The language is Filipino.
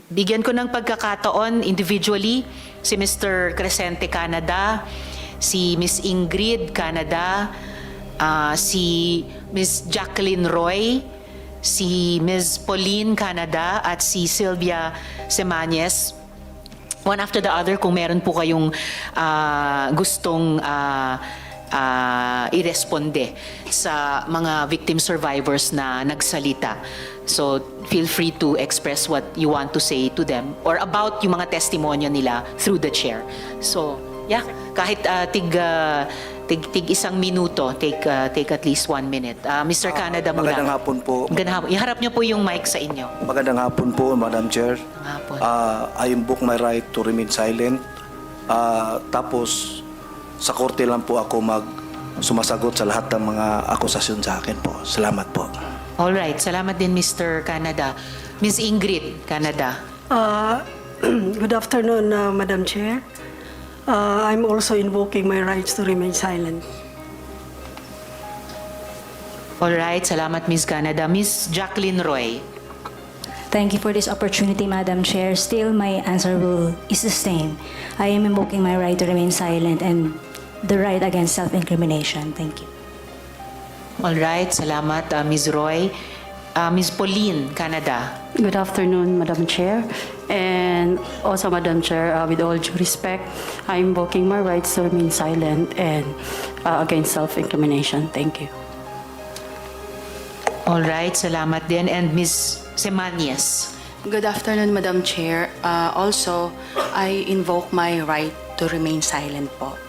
bigyan ko ng pagkakataon individually si Mr. Crescente Canada, si Miss Ingrid Canada, si Miss Jacqueline Roy, si Ms. Pauline Canada at si Sylvia Semañez. One after the other kung meron po kayong gustong iresponde sa mga victim survivors na nagsalita. So feel free to express what you want to say to them or about yung mga testimonya nila through the chair. So yeah, kahit tig isang minuto, take at least 1 minute. Mr. Canada muna. Magandang hapon po. Magandang hapon. Iharap niyo po yung mic sa inyo. Magandang hapon po, Madam Chair. Hapon. I invoke my right to remain silent. Tapos, sa korte lang po ako sumasagot sa lahat ng mga akusasyon sa akin po. Salamat po. All right. Salamat din, Mr. Canada. Ms. Ingrid Canada. Good afternoon, Madam Chair. I'm also invoking my rights to remain silent. All right. Salamat, Ms. Canada. Ms. Jacqueline Roy. Thank you for this opportunity, Madam Chair. Still, my answer is the same. I am invoking my right to remain silent and the right against self-incrimination. Thank you. All right. Salamat, Ms. Roy. Ms. Pauline Canada. Good afternoon, Madam Chair. And also, Madam Chair, with all due respect, I'm invoking my rights to remain silent and against self-incrimination. Thank you. All right. Salamat din. And Ms. Semañez. Good afternoon, Madam Chair. Also, I invoke my right to remain silent po.